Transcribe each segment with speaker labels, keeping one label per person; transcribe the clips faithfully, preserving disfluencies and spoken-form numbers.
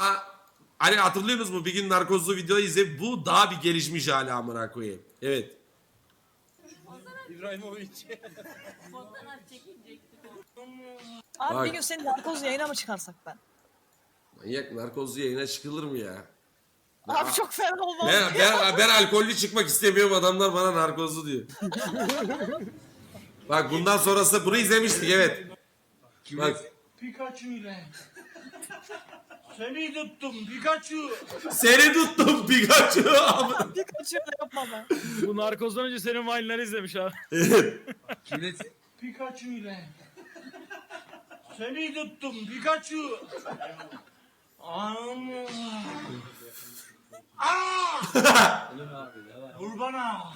Speaker 1: a- hani hatırlıyorsunuz mu? Bir gün narkozlu videoyu izleyip bu daha bir gelişmiş hali amına koyayım. Evet.
Speaker 2: İbrahimovic.
Speaker 3: Fotoğraf çekilecektik.
Speaker 4: Abi
Speaker 1: Bak.
Speaker 4: bir gün seni narkoz yayına mı çıkarsak ben?
Speaker 1: Manyak narkozlu yayına çıkılır mı ya?
Speaker 4: Abi çok fena olmaz.
Speaker 1: Ben, ben, ben alkollü çıkmak istemiyorum, adamlar bana narkozlu diyor. Bak bundan sonrası bunu izlemiştik evet. Bak
Speaker 2: Pikachu ile. Seni tuttum Pikachu.
Speaker 1: seni tuttum Pikachu.
Speaker 4: Bir kaçıyor da yapma ben.
Speaker 5: Bu narkozdan önce senin Vine'ları izlemiş abi.
Speaker 2: Kimlesin? Pikachu ile. Seni tuttum Pikachu. Allah. Aa! Vur bana.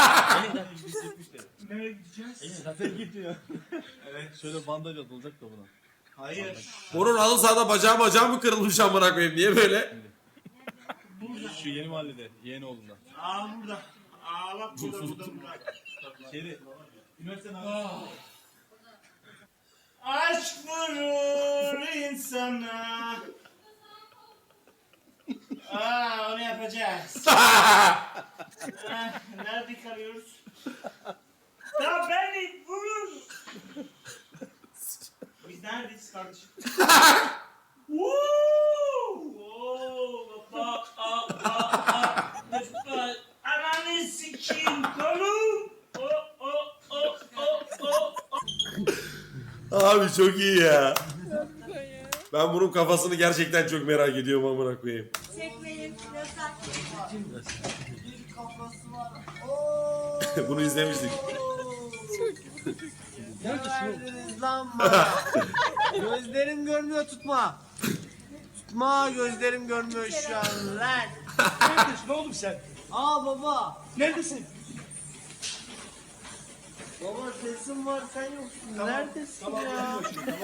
Speaker 2: Nereye gideceğiz?
Speaker 5: Zaten gitmiyor. Evet. Şöyle bandaj atılacak da buna.
Speaker 2: Hayır.
Speaker 1: Bunun halı sahada bacağı bacağı mı kırılmış amına koyayım, niye böyle?
Speaker 5: Şu yeni mahallede, yeğeni oğlundan.
Speaker 2: Aa burada. Aa bak burada burada burada.
Speaker 5: Şeyde, üniversiteden
Speaker 2: Ah. Aşk vurur insana. Aa onu yapacağız. Ah, nerede kalıyoruz? Ya beni vurur. Biz neredeyiz kardeşim? Woo! Oo, baba, aa, aa, aa. Ananı sikeyim kolum. O, o, o, o, o, o.
Speaker 1: Abi çok iyi ya. Ben bunun kafasını gerçekten çok merak ediyorum amına koyayım.
Speaker 3: Çekmeyin. Yasak.
Speaker 1: Bunu izlemiştik.
Speaker 6: Verdiniz lan bana. Gözlerim görmüyor, tutma. Tutma, gözlerim görmüyor şu an lan.
Speaker 2: Neredesin oğlum sen?
Speaker 6: Aa baba.
Speaker 2: Neredesin?
Speaker 6: Baba sesim var, sen yoksun. Neredesin ya?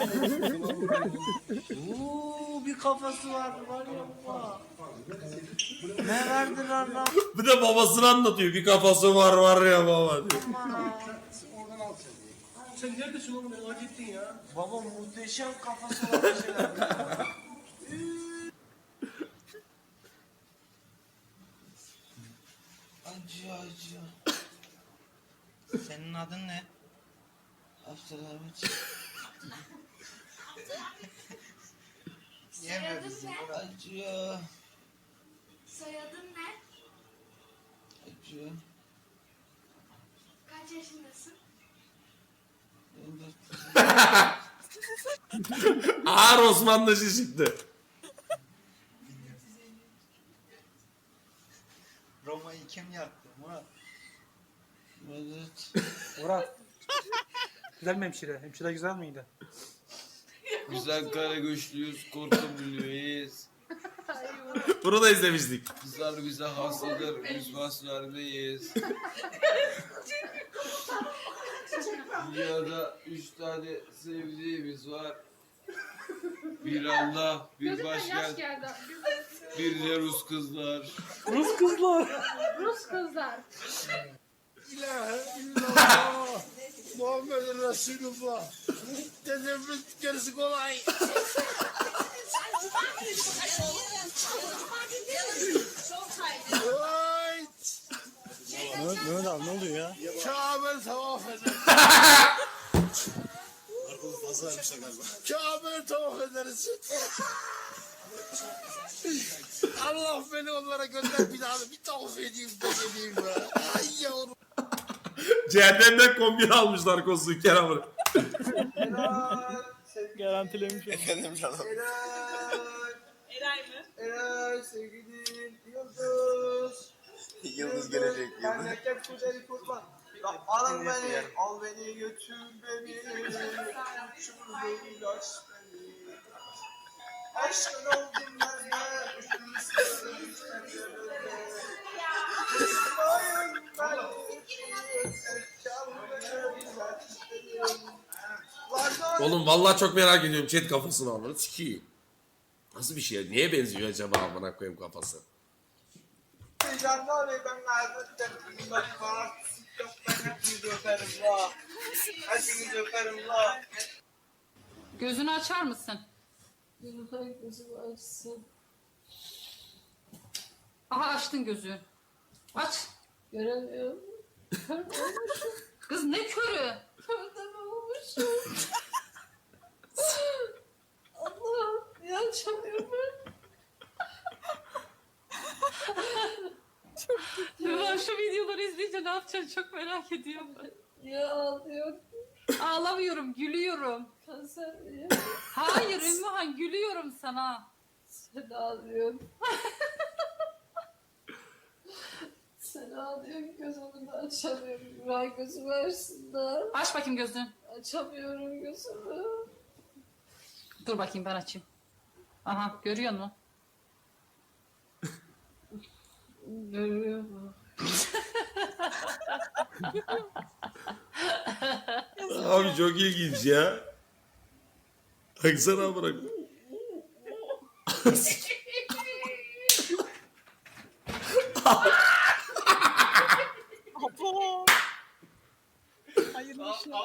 Speaker 6: Oo, bir kafası vardı var ya baba. Ne verdi lan lan?
Speaker 1: Bir de babasını anlatıyor. Bir kafası var var ya baba diyor.
Speaker 2: Sen neredesin oğlum merak ettin ya?
Speaker 6: Baba muhteşem kafası var bir şeyler.
Speaker 7: Acı acı. Senin adın ne? Abdülhamit.
Speaker 3: Soyadın ne?
Speaker 7: Acı.
Speaker 3: Soyadın ne?
Speaker 7: Acı.
Speaker 3: Kaç yaşındasın?
Speaker 1: Ağır Osmanlıcı çıktı.
Speaker 7: Roma'yı kim yaktı Murat? Murat.
Speaker 8: Murat. Güzel mi hemşire? Hemşire güzel miydi?
Speaker 7: Güzel kara güçlüyüz, korkabiliyoruz.
Speaker 1: Bunu da izlemiştik.
Speaker 7: Kızlar bize hastadır, biz vaslarındayız. Dünyada üç tane sevdiğimiz var. Bir Allah, bir başkent, bir de Rus kızlar.
Speaker 8: Rus kızlar.
Speaker 3: Rus kızlar.
Speaker 2: İlahe illallah. Muhammed Resulullah. Tezevvüt gerisi kolay. Vay.
Speaker 5: Mehmet abi ne oluyor ya?
Speaker 2: Kabe tavaf eder. Kabe tavaf ederiz. Allah beni onlara gönder bir daha bir tavaf edeyim de geleyim be. Ay yavrum.
Speaker 1: Cehennemden kombin almışlar kozu Kerem'ı.
Speaker 6: Helal.
Speaker 5: Garantilemiş.
Speaker 7: Efendim canım.
Speaker 6: Helal.
Speaker 4: Eray mı?
Speaker 6: Helal sevgilim. Yıldız.
Speaker 7: Yıldız gelecek, yıldız.
Speaker 6: Memleket güzeli kurban. Al beni, al beni götür beni. Uçur beni, aç beni. Aşkın oldum ben de. Üstüm istedim İsmail ben.
Speaker 1: Oğlum vallahi çok merak ediyorum chat kafasını almanı sikiyim. Nasıl bir şey? Neye benziyor acaba amına koyayım kafası?
Speaker 6: Canlar ben kaybettim. Ben var. Yok ben hepinizi öperim la. Hepinizi öperim la.
Speaker 9: Gözünü açar mısın?
Speaker 3: Gözümü açsın.
Speaker 9: Aha açtın gözü. Aç.
Speaker 3: Göremiyorum.
Speaker 9: Kız ne körü?
Speaker 3: Körden olmuşum. Allah'ım ya açamıyorum ben.
Speaker 9: Ya şu videoları izleyince ne yapacaksın çok merak ediyorum ben.
Speaker 3: Ya ağlıyorum.
Speaker 9: Ağlamıyorum, gülüyorum.
Speaker 3: Kanser ya.
Speaker 9: Hayır Ümmühan, gülüyorum sana.
Speaker 3: Sen ağlıyorsun. Sen ağlıyorsun gözümü de açamıyorum. Güray gözümü versinler.
Speaker 9: Aç bakayım gözünü.
Speaker 3: Açamıyorum gözümü.
Speaker 9: Dur bakayım ben açayım. Aha görüyor musun?
Speaker 3: Görüyorum.
Speaker 1: Abi çok ilginç ya. Baksana bırak.
Speaker 4: Apo. Hayırlı işler.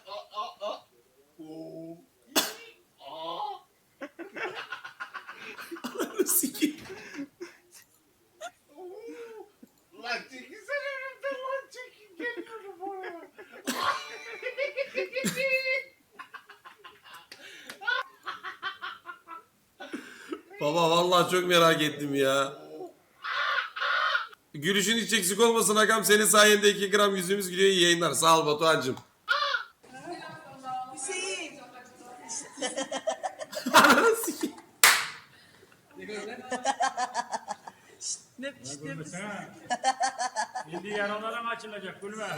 Speaker 1: Sikeyim.
Speaker 2: Lan çekilsene önümden lan çekil geliyorum oraya.
Speaker 1: Baba vallahi çok merak ettim ya. Gülüşün hiç eksik olmasın Hakan. Senin sayende iki gram yüzümüz gülüyor. İyi yayınlar. Sağ ol Batuhan'cım.
Speaker 4: Ne, işte biz-
Speaker 8: Şimdi yaralarım açılacak gülme.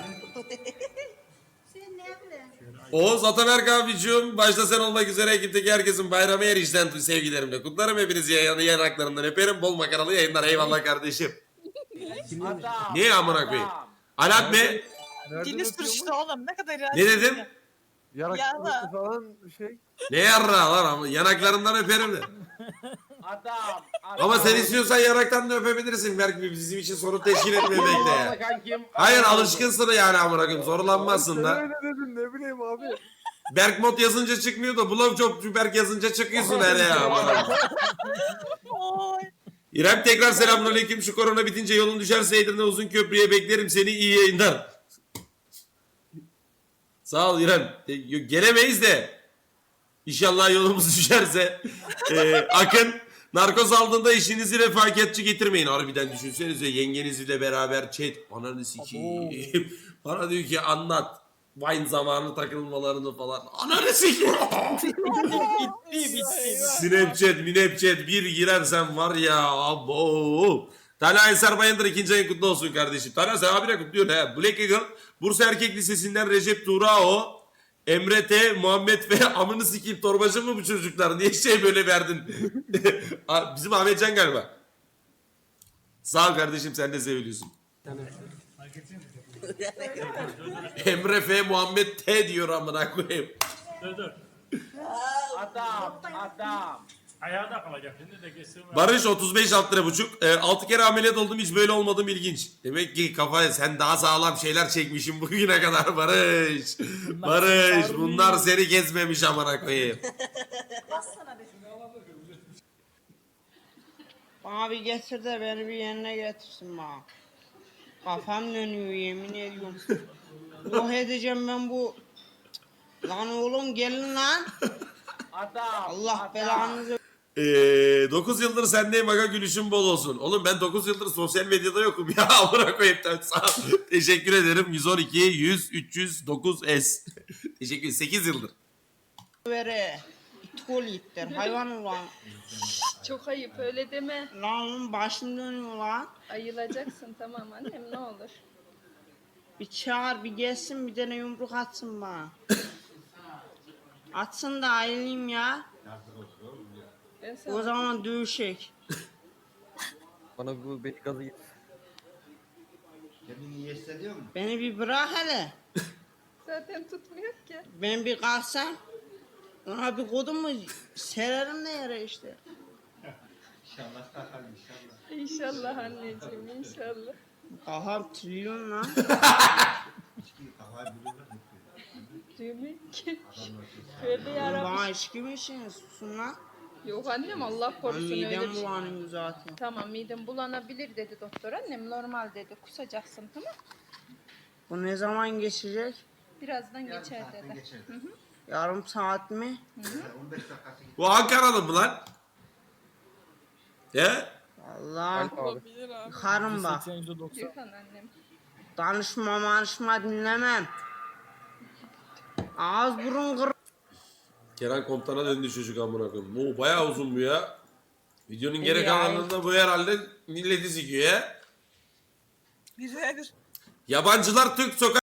Speaker 1: Oğuz Ataberk abicim. Başta sen olmak üzere ekipteki herkesin bayramı her işten sevgilerimle. Kutlarım hepinizi yayın, yanaklarından öperim. Bol makaralı yayınlar. Eyvallah kardeşim. Niye amına koyayım? Alat be.
Speaker 4: Dili sürüştü oğlum. Ne kadar iğrenç.
Speaker 1: Ne dedim?
Speaker 4: Yarak
Speaker 5: falan şey.
Speaker 1: Ne yarra lan ama yanaklarından öperim de.
Speaker 7: Adam.
Speaker 1: Ama sen istiyorsan yanaktan da öpebilirsin. Belki bizim için sorun teşkil etmemekte ya. Hayır alışkınsın yani amına koyayım. Zorlanmazsın da.
Speaker 5: Öyle dedin ne bileyim abi.
Speaker 1: Berk mod yazınca çıkmıyor da Blowjob Berk yazınca çıkıyorsun hele ya. amına koyayım.
Speaker 4: Oy.
Speaker 1: İrem tekrar selamünaleyküm. Şu korona bitince yolun düşerse Edirne uzun köprüye beklerim seni, iyi yayınlar. Sağ ol İrem. E, yok, gelemeyiz de. İnşallah yolumuz düşerse. E, Akın narkoz aldığında işinizi refakatçi getirmeyin. Harbiden düşünsenize yengenizle beraber chat. Ananı sikeyim. Bana diyor ki anlat. Wine zamanı takılmalarını falan. Ananı sikeyim.
Speaker 4: Bitti bitti.
Speaker 1: Snapchat, Minapchat bir girersen var ya abo. Talha Eser Bayındır ikinci ayın kutlu olsun kardeşim. Talha sen abine kutluyorsun he. Black Eagle, Bursa Erkek Lisesi'nden Recep Tuğrao, Emre T, Muhammed ve amını sikeyim torbacı mı bu çocuklar? Niye şey böyle verdin? Bizim Ahmetcan galiba. Sağ ol kardeşim sen de seviliyorsun. Emre F, Muhammed T diyor amına koyayım.
Speaker 8: Dur dur.
Speaker 7: Adam. Adam.
Speaker 8: Ayağda kalacak. Şimdi de geçsin.
Speaker 1: Barış otuz beş alt lira buçuk. E, altı kere ameliyat oldum hiç böyle olmadım ilginç. Demek ki kafaya sen daha sağlam şeyler çekmişsin bugüne kadar Barış. Barış bunlar seni gezmemiş amına koyayım.
Speaker 6: Bana bir getir de beni bir yerine getirsin bana. Kafam dönüyor yemin ediyorum. Yok edeceğim ben bu. Lan oğlum gelin lan.
Speaker 7: Adam.
Speaker 6: Allah belanızı.
Speaker 1: E, dokuz yıldır sendeyim aga gülüşün bol olsun. Oğlum ben dokuz yıldır sosyal medyada yokum ya amına koyayım. Sağ ol. Teşekkür ederim. yüz on iki, yüz, üç yüz dokuz S. Teşekkür ederim. sekiz yıldır.
Speaker 6: Vere. İtkol ittir hayvan ulan.
Speaker 3: Çok ayıp öyle deme.
Speaker 6: Lan oğlum başım dönüyor lan.
Speaker 3: Ayılacaksın tamam annem ne olur.
Speaker 6: Bir çağır bir gelsin bir tane yumruk atsın bana. Atsın da ayrılayım ya.
Speaker 3: Ben sana
Speaker 6: O zaman dövüşek.
Speaker 5: Bana bu beni gazı git.
Speaker 2: Kendini iyi hissediyor musun?
Speaker 6: Beni bir bırak hele.
Speaker 3: zaten tutmuyor ki.
Speaker 6: Ben bir kalksam. Ona bir kodum mu sererim de yere işte.
Speaker 2: İnşallah kalkalım inşallah.
Speaker 3: İnşallah anneciğim inşallah.
Speaker 6: Kafam trilyon lan.
Speaker 2: Kafayı buluyor.
Speaker 3: Demek ki. Tövbe yarabbim.
Speaker 6: Bana içki mi için susun lan.
Speaker 3: Yok annem Allah korusun öyle bir
Speaker 10: Midem
Speaker 3: şey.
Speaker 10: bulanıyor zaten.
Speaker 3: Tamam midem bulanabilir dedi doktor annem normal dedi kusacaksın tamam.
Speaker 10: Bu ne zaman geçecek?
Speaker 3: Birazdan geçer dedi. Hı hı.
Speaker 10: Yarım saat mi?
Speaker 1: Bu Ankaralı mı lan? He?
Speaker 10: Allah. Yıkarım bak.
Speaker 3: Yıkan annem.
Speaker 10: Danışma manışma dinlemem. Ağız burun kır.
Speaker 1: Kenan Komutan'a döndü çocuk amına koyayım. Bu bayağı uzun bu ya. Videonun geri
Speaker 10: Ya.
Speaker 1: kalanında bu herhalde milleti sikiyor ya.
Speaker 4: Bir ve bir.
Speaker 1: Yabancılar Türk sokak